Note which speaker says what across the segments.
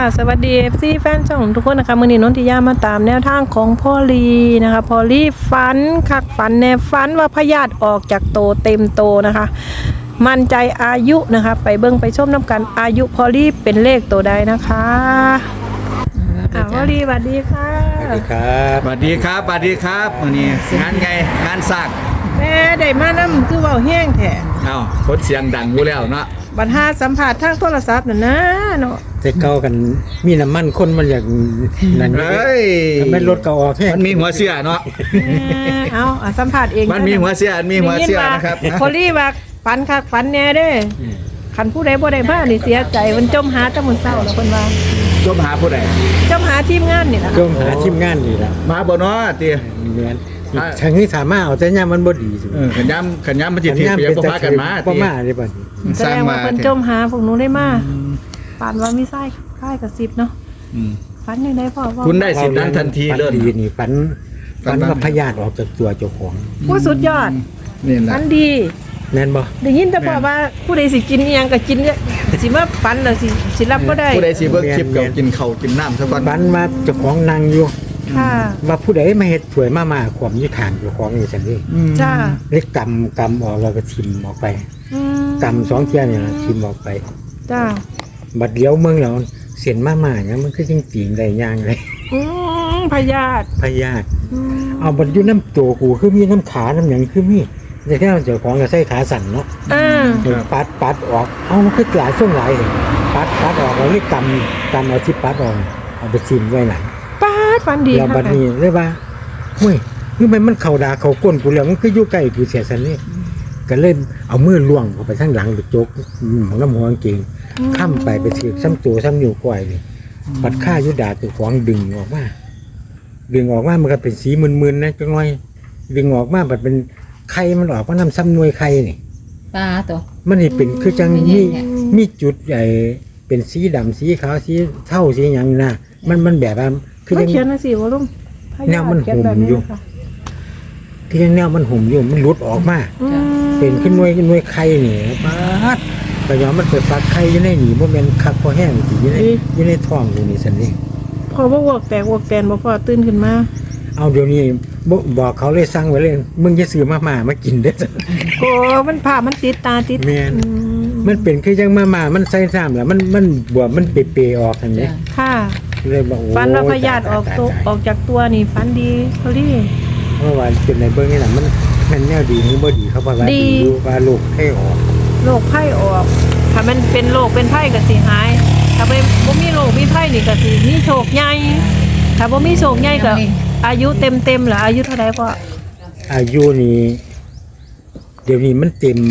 Speaker 1: สวัสดี FC แฟนช่องทุกคนนะคะมื้อนี้นนทิยามาตามแนวทางของพ่อลีนะคะพ่อลีฝันคักฝันแน่ฝันว่าพยาธิออกจากโตเต็มโตนะคะ มั่นใจอายุนะคะไปเบิ่งไปชมน้ำกันอายุพ่อลีเป็นเลขตัวใดนะคะพ่อลีสวัสดีค่ะ
Speaker 2: สวัสดีครับสวัสดีครับสวัสดีครับวันนี้งานไงงานสร้าง
Speaker 1: แม่ได้มานำคือเว้าแห้งแท้
Speaker 2: คนเสียงดังอยู่แล้วเนาะ
Speaker 1: บัดหาสัมภาษณ์ทางโทรศัพท์น่ะนะเนาะ
Speaker 3: แต่เก่ากันมีน้ำมันคนมันอย่างนั้น
Speaker 2: เฮ้ย
Speaker 3: ทำไมรถเก่าออกแค่
Speaker 2: มันมีหัวเสียเนาะ
Speaker 1: เอาสัมภาษณ์เอง
Speaker 2: มันมีหัวเสียมีหัวเสียนะครับ
Speaker 1: พ่อลีว่าฝันคักฝันแน่เด้คันผู้ใดบ่ได้มานี่เสียใจมันจมหาแต่มื้อเช้าแล้วเพิ่นว่า
Speaker 2: จมหาผู้ใด
Speaker 1: จมหาทีมงานนี่ล่ะ
Speaker 3: ก็หาทีมงานนี่แหละ
Speaker 2: มาบ่เนาะตี
Speaker 3: เรียนทางนี้สามารถเอาแต่ย่ามันบ่ดีสิ
Speaker 2: ขันย้ำมันจิตที่เปียกพากันมา
Speaker 3: บ่
Speaker 2: ตี
Speaker 3: มาได้บ่
Speaker 1: แสดงว่าเพิ่นจมหาพวกหนูได้มาปานว่ามีไส้ค่ายกับ10เนาะฝันยังได้พ่อว่า
Speaker 2: คุณได้สิทธิ์นั้นทันทีเลย
Speaker 3: ปันดีนี่ปันว่าพยาธิออกจากตัวเจ้าของ
Speaker 1: ผู้สุดยอด
Speaker 2: นี่แหละ
Speaker 1: ฝันดี
Speaker 3: แม่นบ่
Speaker 1: ได้ยินแต่พ่อว่าผู้ใดสิกินอีหยังก็กินเนี่ยสิมาฝันแล้วสิรับบ่ได้
Speaker 2: ผู้ใดสิเบิ่งคลิปเก่ากินข้าวกินน้ำซะก่อน
Speaker 3: ปันว่าเจ้าของนั่งอยู่
Speaker 1: ค่ะ
Speaker 3: ว่าผู้ใดมาเฮ็ดสวยมาความอยู่ข้างเจ้าของนี่ซั่นเด้
Speaker 1: จ้า
Speaker 3: เลยกำออกแล้วก็ทิ่มออกไป
Speaker 1: อืม
Speaker 3: กำ2เที่ยนี่ล่ะทิ่มออกไป
Speaker 1: จ้า
Speaker 3: บัดเดียวเมืองแล้วเสียนมาเนี่ยมันคือจริงๆได้ย่างเลย
Speaker 1: พยาธิ
Speaker 3: พยาธิเอาบัดอยู่น้ำตัวกูคือมีน้ำขาน้ำหยังคือมีแต่แค่เจ้าของก็ใส่ขาสั่นเนาะ ปัดออกเอามันคือหลายช่วงหลายเลยปัดออกเราเรียกกำเอาที่ปัดออกเอาไปชิมไว้หลัง
Speaker 1: ปาดฝันดี
Speaker 3: แล้วบัดนี้เลยว่าเฮ้ยคือมันเข่าดาเข่าก้นกูแล้วมันคืออยู่ใกล้กูเสียสันนี่ก็เลยเอามือล่วงเข้าไปข้างหลังไปโจกของน้ำหัวกางเกงข้ามไปถือซ้ำตัวซ้ำนิ้วก้อยเลยปัดข้ายุดาตัวของดึงออกมามันก็เป็นสีมึนๆนะจังหน่อยดึงออกมาแบบเป็นไข่มันออกมาน้ำซ้ำนวยไข่นี่
Speaker 4: ปลาตัว
Speaker 3: มันนี่เป็นคือจังมีจุดใหญ่เป็นสีดำสีขาวสีเท่าสีอย่างนะมันแบบว่าคือ
Speaker 1: มัน
Speaker 3: ยัง
Speaker 1: เขียนมาสิว่าลุง
Speaker 3: แนวมันหุ่มอยู่ คือยังแนวมันหุ่มอยู่มันหลุดออกมาเป็นขึ้นหน่วยไข่นี่ปัดแต่ย้อนมันเปิดฟักไข่อยู่ในหนีบ่แม่นคักพอแห้งสิอยู่ในท้องอยู่นี่ซั่นนี่
Speaker 1: พอว่าวอกแตกวอกแตนบ่พอตื่นขึ้นมา
Speaker 3: เอาเดี๋ยวนี้บอกเขาเลยสั่งไว้เลยมึงจะซื้อมากินเด้อ
Speaker 1: โอ้มันผ่ามันติดตาติด
Speaker 3: แม่นมันเป็นคือจังมามันใส่ซ้ำแล้วมันบวมมันเปๆออกซั่นนี่
Speaker 1: ค่ะ
Speaker 3: เลยบอกโอ้
Speaker 1: ฝันว่าพยาธิออกจากตัวนี่ฝันดีพอดี
Speaker 3: เมื่อวานเป็นในเบื้องนี่แหละมันแนวดีหรือบ่ดีเขาบอกว่า
Speaker 1: ดี
Speaker 3: ดีอยู่ว่าลูกให้ออก
Speaker 1: โรคไข้ออก ถ้ามันเป็นโรคเป็นไข้ก็สิหาย ถ้าบ่มีโรคมีไข้นี่ก็สิมีโชคใหญ่ ถ้าบ่มีโชคใหญ่ก็อายุเต็มๆล่ะอายุเท่าใดพ่อ
Speaker 3: อายุนี่เดี๋ยวนี้มันเต็ม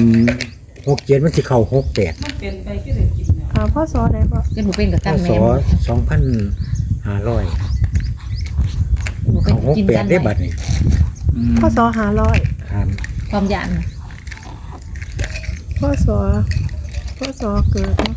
Speaker 3: 67มันสิเข้า68
Speaker 1: พ่อสอใดพ่อ
Speaker 4: เป็นหนูเป็นกับ
Speaker 3: พ
Speaker 4: กัน
Speaker 3: ศ
Speaker 4: แม่
Speaker 3: 2500
Speaker 4: หนูเป็น
Speaker 3: เข้า
Speaker 4: กินกัน
Speaker 3: 68ได้บัดนี้
Speaker 1: พ่อสอ500
Speaker 3: ครับ
Speaker 4: ความยาน
Speaker 1: พ่อสอเกิดเนาะ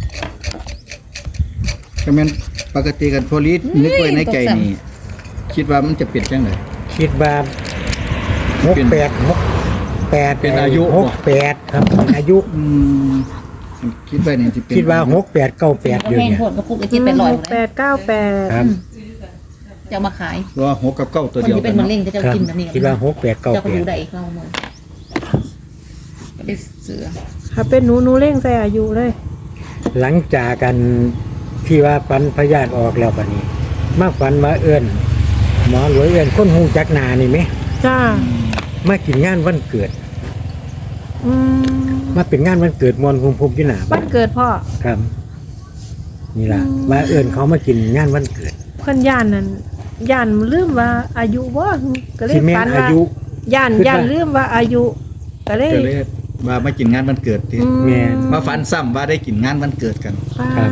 Speaker 2: ก็แม่นปกติกันโพลิสนึกไว้ในใจนี่คิดว่ามันจะเป็นจังได๋
Speaker 3: คิดว่า68
Speaker 2: เป็นอายุ
Speaker 3: 68ครับอายุ
Speaker 2: คิดไว้นี่สิเป็น
Speaker 3: คิดว่า68 98อยู่
Speaker 4: แห้ง
Speaker 3: เนี่ย
Speaker 4: โหดกระปุกไอ้ที่เป็นรอยหมดเลย
Speaker 1: 898
Speaker 3: ครับ
Speaker 4: จะเอามาขาย
Speaker 2: ว่า6กับ9ตัว
Speaker 4: คน
Speaker 2: เดียว
Speaker 4: ที่
Speaker 2: กั
Speaker 4: เป็น นมะ
Speaker 2: เนาะ
Speaker 4: เร็งจะเจ้า
Speaker 3: ครับ
Speaker 4: กินแบบนี้
Speaker 3: คิดว่า68
Speaker 4: เจ้าก็ดูได้
Speaker 3: 98
Speaker 4: อีกเราหมดก็ได้เสือ
Speaker 1: ถ้าเป็นหนูเร่งใส่อายุเลย
Speaker 3: หลังจากกันที่ว่าปันพยาธิออกแล้วบัดนี้ มาฝันมาเอื้อนหมอหลวยเอื้อนคนหูจักหนานี่ไหม
Speaker 1: จ้า
Speaker 3: มากินงานวันเกิด
Speaker 1: อืม
Speaker 3: มาเป็นงานวันเกิดมวลภูมิภูมิที่หนา
Speaker 1: บ้านเกิดพ่อ
Speaker 3: ครับ นี่ล่ะมาเอื้อนเขามากินงานวันเกิด
Speaker 1: เพิ่นย่านนั่นย่านลืมว่าอายุบ่ก็เลย
Speaker 3: ที่แม่
Speaker 1: ฝัน
Speaker 3: นอา
Speaker 1: ว่า
Speaker 3: ยุ
Speaker 1: ย่าน
Speaker 3: คิดว่า
Speaker 1: ลืมว่าอายุก็เลย
Speaker 2: ก็เลยว่ามากินงานวันเกิดติ
Speaker 3: แม่น
Speaker 2: มาฝันซ้ำว่าได้กินงานวันเกิดกัน
Speaker 3: ครับ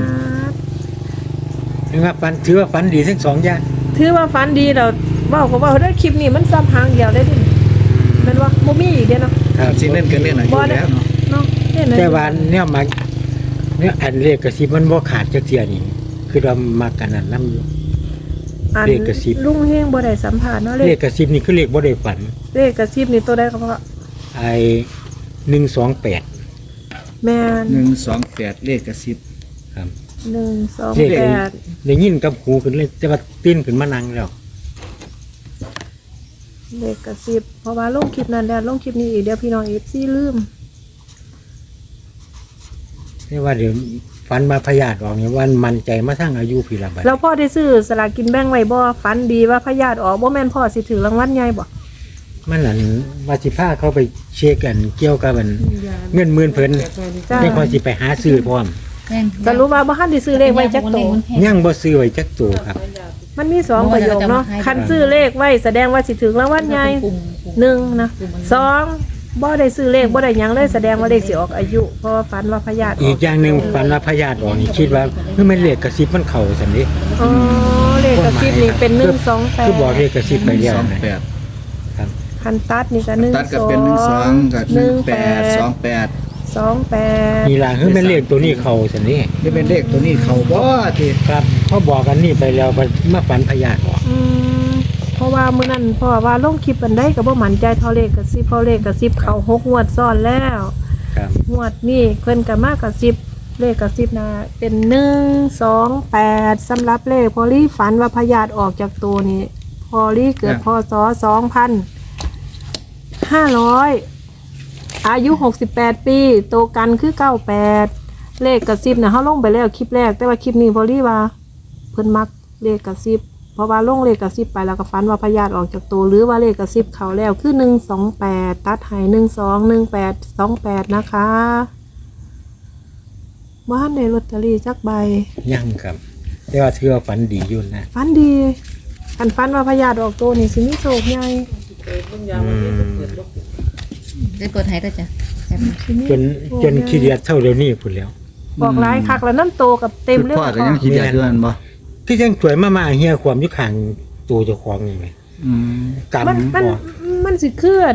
Speaker 3: นะครับฝันถือว่าฝันดีทั้งสองอย่าง
Speaker 1: ถือว่าฝันดีแล้วเว้าก็เว้าได้คลิปนี้มันซ้ำหางเดียวได้ดิแม่นว่าบ่มีอีกเด้เนาะ
Speaker 3: ครับ
Speaker 2: สิเล่นกันเนี่ยน่ะอยู่แล้วเนาะ
Speaker 1: เนาะเล่น
Speaker 3: แต่ว่าเนี่ยมาเนี่ยอันเลขกระซิบมันบ่ขาดจักเทียนี่คือเรามากันนั่นนำอยู่
Speaker 1: อัน
Speaker 3: เลขกระซิบ
Speaker 1: ลุงเฮงบ่ได้สัมภาษณ์เนาะ
Speaker 3: เล
Speaker 1: เล
Speaker 3: ข
Speaker 1: ข
Speaker 3: กระซิบนี่คือเลขบ่ได้ฝัน
Speaker 1: เลขกระซิบนี่ตัวใดก็พ่อ
Speaker 3: ไอ้128
Speaker 1: แม่น
Speaker 2: 128เลขกระซิบ
Speaker 3: ครับ
Speaker 1: 128
Speaker 3: ได้ยินกับหูขึ้นเลยแต่ว่าตื่นขึ้นมานั่งแล้ว
Speaker 1: เลขกระซิบเพราะว่าลงคลิปนั้นแล้วลงคลิปนี้อีกเดี๋ยวพี่น้องFCลืม
Speaker 3: แต่ว่าเดี๋ยวฝันมาพยาธิออกเนี่ยวันมันใจมาทั้งอายุพี่ละบัด
Speaker 1: แล้วพ่อได้ซื้อสลากกินแบ่งไว้บ่ฝันดีว่าพยาธิออกบ่แม่นพ่อสิถือรางวัลใหญ่บ่
Speaker 3: มันนั่นว่าสิพาเขาไปเช็คกันเกี่ยวกับมันเงินหมื่นเพิ่น
Speaker 1: จ้า
Speaker 3: ได้พอสิไปหาซื้อพร้อม
Speaker 4: แม่น
Speaker 1: สรุปว่าบ่ทันได้ซื้อเลขไว้จักโต
Speaker 3: ยังบ่ซื้อไว้จักตัวครับ
Speaker 1: มันมี2ประโยคเนาะคันซื้อเลขไว้แสดงว่าสิถือรางวัลใหญ่1นะ2บ่ได้ซื้อเลขบ่ได้หยังเลยแสดงว่าเลขสิออกอายุ เพราะว่าฝันว่าพยาธิอ
Speaker 3: อี
Speaker 1: อก
Speaker 3: กอย่างหนึงฝันว่าพยาธิออกนี่คิดว่าเฮ้ยมันเลขกระซิบมันเข้าซั่นนี่
Speaker 1: อ๋อเลขกระซิบนี่เป็น
Speaker 3: คือบอกเลขกระซิบไปแล้วนะ
Speaker 2: 28
Speaker 3: ครับ
Speaker 1: คันตัดนี่ก็
Speaker 2: ตัดกับเป็น12กับ18 28
Speaker 3: นี่ล่ะคือมันเลขตัวนี้เข้าซั่นนี่
Speaker 2: นี่เป็นเลขตัวนี้เขาบ่ที่
Speaker 3: ครับพอบอกกันนี่ไปแล้วมันมาฝันพยาธิออก
Speaker 1: เพราะว่ามื้อนั้นพ่อว่าลงคลิปอันใดก็บ่มั่นใจเท่าเลขกระซิบเพราะเลขกระซิบเข้า6งวดซ้อนแล้ว
Speaker 3: ครับ
Speaker 1: งวดนี้เพิ่นก็มากระซิบเลขกระซิบนะเป็น128สำหรับเลขพอลี่ฝันว่าพยาธิออกจากตัวนี้พอลี่เกิดพศ2500อายุ68ปีโตกันคือ98เลขกระซิบนะเฮาลงไปแล้วคลิปแรกแต่ว่าคลิปนี้พอลี่ว่าเพิ่นมักเลขกระซิบเพราะว่าลงเลขกระซิบไปแล้วก็ฝันว่าพยาธิออกจากตัวหรือว่าเลขกระซิบเขาแล้วคือ128ตัดให้121828นะคะบ้านในลอตเตอรี่จักใบ
Speaker 3: ยังครับ แต่ว่าถือว่าฝันดีอยู่นะ
Speaker 1: ฝันดีคันฝันว่าพยาธิออกตัวนี่สิมีโชคใหญ่
Speaker 4: ได้เปิดให้ด้วยจ้ะ
Speaker 1: สิมี
Speaker 3: จนขี้เดียดเท่าเดี๋ยวนี้พุ่นแล้ว
Speaker 1: บอกหลายคักแล้วน้ำโตกับเต็มเลย
Speaker 2: พ่อก็ยังคิดอย่างนั้นบ่
Speaker 3: ที่จังสวยมาเฮียความอยู่ข้างตัวเจ้าของนี่ไหม
Speaker 2: อืม
Speaker 3: กำ
Speaker 1: มัน
Speaker 3: บ่
Speaker 1: มันสิเคลื่อน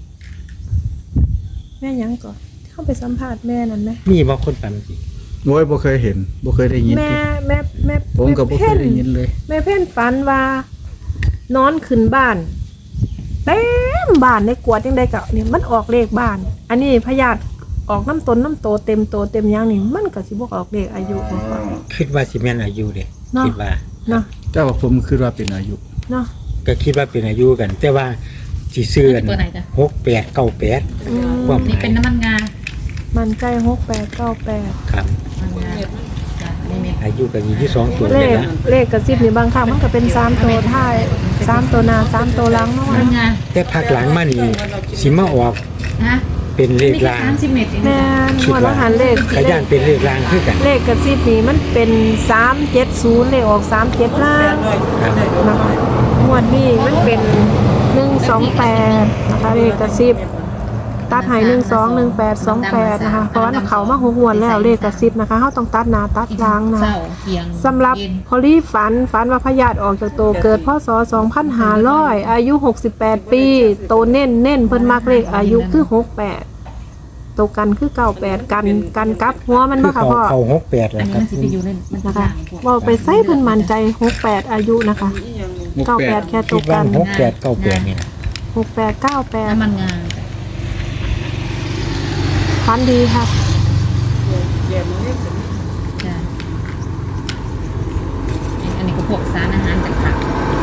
Speaker 1: แม่หยังก่อนเข้าไปสัมภาษณ์แม่นั่นไหม
Speaker 3: มีบ่คนฝันสิ
Speaker 2: โอ้ยบ่เคยเห็นบ่เคยได้ยิน
Speaker 1: แม่
Speaker 2: ผมก็บ่เคยได้ยินเลย
Speaker 1: แม่เพ่นฝันว่านอนขึ้นบ้านเต็มบ้านในกวดยังได้ก็นี่มันออกเลขบ้าน อันนี้พยาธิออกน้ำตนน้ำโตเต็มโตเต็มหยังนี่มันก็สิบ่ออกเลขอายุของเขา
Speaker 3: คิดว่าสิแม่นอายุเด้
Speaker 1: เนาะ
Speaker 3: คิดว่า
Speaker 1: เนาะ
Speaker 2: แต่ว่าผมคิดว่าเป็นอายุ
Speaker 1: เนาะ
Speaker 3: ก็คิดว่าเป็นอายุกัน แต่ว่าสิซื้อกัน
Speaker 4: เปิดไหนจ้ะ
Speaker 3: 6898
Speaker 1: อืม
Speaker 3: ความห
Speaker 4: นี่
Speaker 3: มาย
Speaker 4: เป็นน้ำมันงา
Speaker 1: มันใกล้6898
Speaker 3: ครับ
Speaker 4: น้ำมันงาจ้ะอันนี้เม็ด
Speaker 3: อายุก็อยู่ที่2ตัว
Speaker 1: เล
Speaker 3: เลย
Speaker 1: ข
Speaker 3: นะ
Speaker 1: เลขกระซิบนี่บางครั้งมันก็เป็น3ตัวท้าย3ตัวหน้า3ตัวหลังเนาะ
Speaker 4: น้ำมันงา
Speaker 3: แต่ภาคหลังมานี่สิมาออก
Speaker 4: ฮะ
Speaker 3: เป็นเลข
Speaker 4: นี่แค่
Speaker 3: ราง
Speaker 4: 30 เม็ดเอง
Speaker 1: แม่
Speaker 4: จ้ะ
Speaker 1: นหัวละหันเลข
Speaker 3: ขยันเป็นเลขรางคือกัน
Speaker 1: เลขกระซิบนี่มันเป็น370เลขออก37ล่าง
Speaker 3: ครับ
Speaker 1: นะคะงวดนี้มันเป็น128นะคะเลขกระซิบตัดให้121828นะคะเพราะว่าเขามาหัวแล้วเลขกระซิบนะคะเขาต้องตัดหน้าตัดหลังนะ
Speaker 4: เศร้าเที่ยง
Speaker 1: สำหรับ
Speaker 4: เย็น
Speaker 1: พอลี่ฝันว่าพยาธิออกจากตัวเกิดพศ2500อายุ68ปีโตเน้นเพิ่นมักเลขอายุคือ68โตกันคือ98กันกับหัวมัน
Speaker 3: คื
Speaker 1: บ่
Speaker 3: อ
Speaker 1: ค่ะ
Speaker 3: เขา
Speaker 1: พ่อ
Speaker 3: เขา68
Speaker 4: อั
Speaker 3: แล้
Speaker 4: น
Speaker 3: ว
Speaker 4: นี้
Speaker 3: ครั
Speaker 4: มั
Speaker 3: บ
Speaker 4: นสิไปอยู่ในมัน
Speaker 1: นะคะ
Speaker 4: ต่างพวก
Speaker 1: บอกไปใส่เพิ่นมั่นใจ68อายุนะคะ98แค่โต
Speaker 3: คิด
Speaker 1: กั
Speaker 3: ว่าน 6898นี่นะ
Speaker 1: 6898
Speaker 4: น้ำมันงาจ้ะ
Speaker 1: ฝันดีค่ะ
Speaker 4: จ้ะอันนี้ก็พวกสารอาหารจากผัก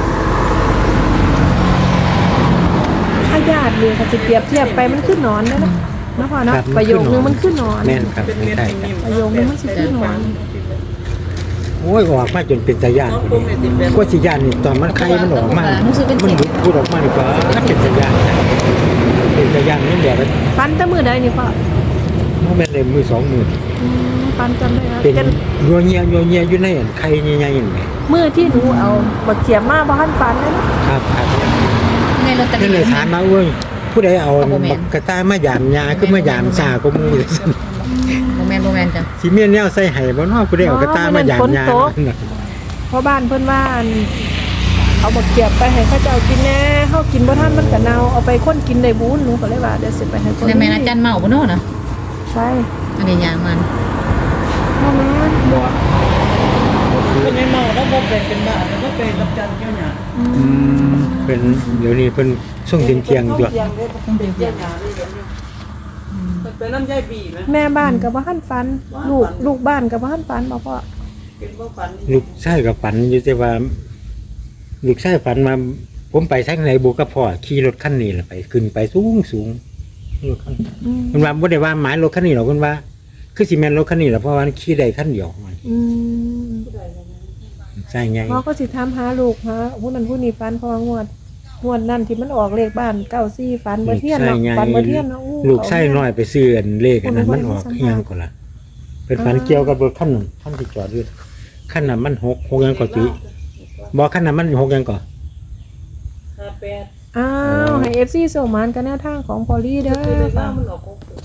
Speaker 1: ถ้าญาติเลยค่ะจะเปรียบเทียบไปมันขึ้นนอนได้นะนะพ่อเนาะ
Speaker 3: ครับ
Speaker 1: ประโยคนึงมันขึ้นนอน
Speaker 3: แม่นครับไม่ใช่ครับ
Speaker 1: ประโยคนึงมันสิขึ้นนอน
Speaker 3: โอ้ยออกมาจนเป็นตาย่านคนนี้ว่าสิย่านนี่ตอนมันไข่มันออกมามันหลุดพูดออกมาดีกว่ามันเป็นตาย่านนะเป็นตาย่านนี่แบบว่า
Speaker 1: ฟันแต่มือใดนี่พ่อ
Speaker 3: มันเป็นเลยมือสองมือ
Speaker 1: ฟันจำได้ครับ
Speaker 3: เป็น
Speaker 1: กัน
Speaker 3: ยัวเงียอยู่ในอันไข่ใหญ่ๆนี่
Speaker 1: มือที่หนูเอาบักเขียบมาบ่ทันฟันเลยนะครับ
Speaker 3: ครับ
Speaker 4: ในลอตเตอ
Speaker 3: นี่
Speaker 4: รี่
Speaker 3: เลยถามมาเว้ยผู้ใดเอาบักกระต่ายมายามยาคือมายามซาก็มูเลยซั่น
Speaker 4: โมแมนจ้ะ
Speaker 3: สิเมียนแนวใส่ให้บ่เนาะผู้ใดเอากระต่ายมายามยา
Speaker 1: เพราะบ้านเพิ่นว่าเอาบักเขียบไปให้เขาเจ้ากินแน่เฮากินบ่ทันมันก็เน่าเอาไปคนกินได้บุญหนูก็เลยว่าเดี๋ยวสิไปให้คน
Speaker 4: ในแม่นอาจารย์เมาบ่เนาะนะ
Speaker 1: ใช่
Speaker 4: อันนี้ยางมัน
Speaker 1: พ่อแม่
Speaker 2: บ่
Speaker 5: เป็นไอ้เมาแล้วบ่เป็นบ้าแล้วก็เป็นรับจันเจ้าหน้า
Speaker 2: อืม
Speaker 3: เป็นเดี๋ยวนี้เพิ่นส่งเที่ยงๆด้วย
Speaker 5: ต้องเป็นเจ้าหน้าเลยเดี๋ยวนี้เป็นน้ำใจบีไหม
Speaker 1: แม่บ้านก็บ่ทันฟันลูกบ้านก็บ่ทันฟันบ่พ่อ
Speaker 5: เป็นบ่ฝัน
Speaker 3: ลูกชายกับฝันอยู่แต่ว่าลูกชายฝันมาผมไปทางไหนบุกับพ่อขี่รถคันนี้แหละไปขึ้นไปสูงรถคัน
Speaker 1: อืม
Speaker 3: มันว่าบ่ได้ว่าหมายรถคันนี้หรอกมันว่า คือสิแม่นรถคันนี้แหละเพราะว่ามันขี่ได้คันเดียวมัน
Speaker 1: อืม
Speaker 3: ใช่ไง
Speaker 1: พ่อก็สิถามหาลูกหาผู้นั้นผู้นี้ฝันเพองวดนั่นที่มันออกเลขบ้าน94ฝันบ่เที่ยนเนาะฝันบ่เที่ยนเนาะอู้
Speaker 3: ลูกชายน้อยไปซื้ออันเลขอันนั้น
Speaker 1: คน
Speaker 3: มันออกอีหยังก็ล่ะเป็นฝันเกี่ยวกับรถคันนั้นคันที่จอดอยู่คันนั้นมัน6ยังก็ติบ่คันนั้นมัน6ยังก็
Speaker 5: 58
Speaker 1: อ้าวให้ FC ส่งมานกันแนวทางของพอลลี่เด้อ
Speaker 5: คือได้
Speaker 1: ค่ะ
Speaker 5: ว่ามันออก6